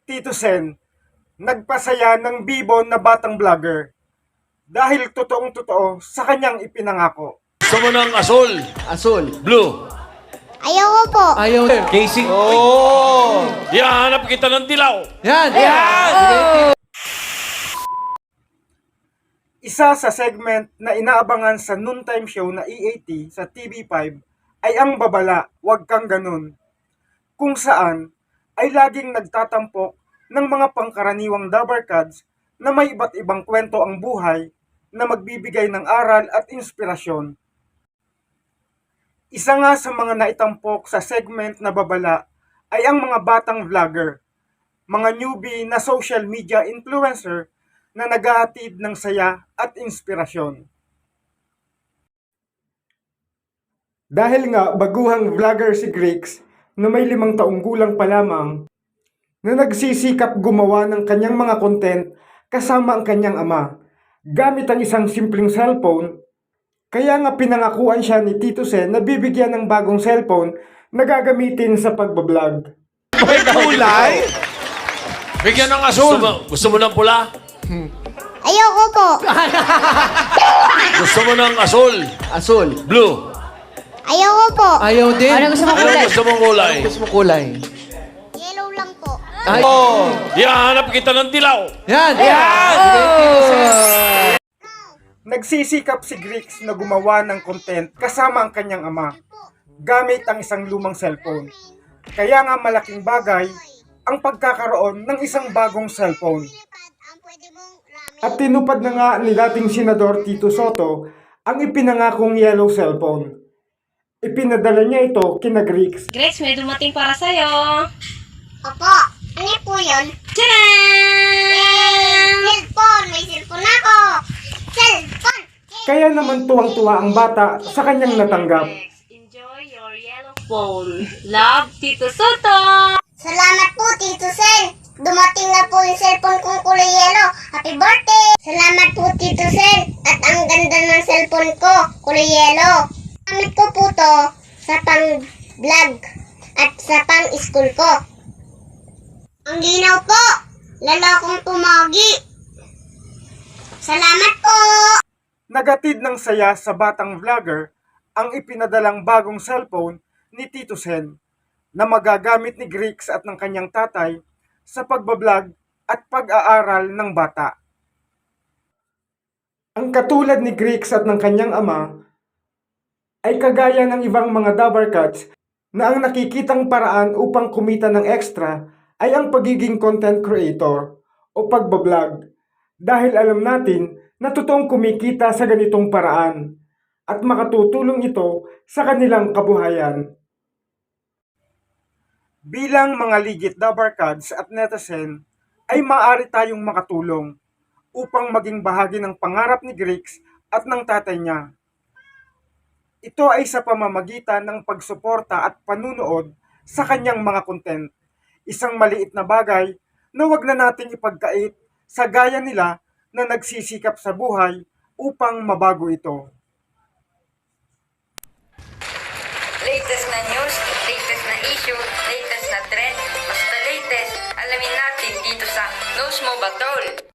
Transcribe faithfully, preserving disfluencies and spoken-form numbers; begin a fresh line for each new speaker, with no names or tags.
Tito Sen, nagpasaya ng bibon na batang vlogger dahil totoong-totoo sa kanyang ipinangako.
Gusto mo ng asul,
Asul.
blue.
Ayoko po.
Ayaw.
Casing.
Oh!
Hanap kita ng dilaw.
Yan! Yan!
Isa sa segment na inaabangan sa noontime show na E A T sa T V five ay ang babala, Wag Kang Ganun, kung saan ay laging nagtatampok ng mga pangkaraniwang dabarkads na may iba't ibang kwento ang buhay na magbibigay ng aral at inspirasyon. Isa nga sa mga naitampok sa segment na babala ay ang mga batang vlogger, mga newbie na social media influencer na naghahatid ng saya at inspirasyon. Dahil nga baguhang vlogger si Grix na may limang taong gulang pa lamang na nagsisikap gumawa ng kanyang mga content kasama ang kanyang ama gamit ang isang simpleng cellphone. Kaya nga pinangakuan siya ni Tito Sen na bibigyan ng bagong cellphone na gagamitin sa pagbablog.
May kulay?
Bigyan ng asul. Gusto mo, gusto mo ng pula?
Ayoko po.
Gusto mo ng asul,
Asul.
blue.
Ayoko po.
Ayaw din.
Ano gusto mo
Ano
kulay?
gusto mong kulay?
Gusto mo kulay?
Yellow lang po.
Ay. Oh!
Hanap kita ng dilaw.
Yan! Yan!
Nagsisikap si Grix na gumawa ng content kasama ang kanyang ama gamit ang isang lumang cellphone. Kaya nga malaking bagay ang pagkakaroon ng isang bagong cellphone. At tinupad na nga ni dating Senador Tito Soto ang ipinangakong yellow cellphone. Ipinadala niya ito kina Grix.
Grace, may dumating para sa'yo.
Opo. Ano po yun?
Tadaan!
Cellphone! May cellphone ako! Cellphone!
Kaya naman tuwang-tuwa ang bata sa kanyang natanggap.
Enjoy your yellow phone. Love, Tito Soto!
Salamat po, Tito Sen! Dumating na po yung cellphone kong kulay yellow. Happy birthday! Salamat po, Tito Sen! At ang ganda ng cellphone ko, kulay yellow. Gamit ko po to sa pang-vlog at sa pang-school ko. Ang linaw po! Lalo akong pumagi. Salamat po!
Nagatid ng saya sa batang vlogger ang ipinadalang bagong cellphone ni Tito Sen na magagamit ni Grix at ng kanyang tatay sa pagbablog at pag-aaral ng bata. Ang katulad ni Grix at ng kanyang ama ay kagaya ng ibang mga dabarkads na ang nakikitang paraan upang kumita ng extra ay ang pagiging content creator o pagbablog dahil alam natin na totoong kumikita sa ganitong paraan at makatutulong ito sa kanilang kabuhayan. Bilang mga legit dabarkads at netizen ay maaari tayong makatulong upang maging bahagi ng pangarap ni Grix at ng tatay niya. Ito ay sa pamamagitan ng pagsuporta at panunood sa kanyang mga content. Isang maliit na bagay na wag na nating ipagkait sa gaya nila na nagsisikap sa buhay upang mabago ito.
Latest na news, latest na issue, latest na trend, basta latest, alamin natin dito sa Knows Mo Ba Tol?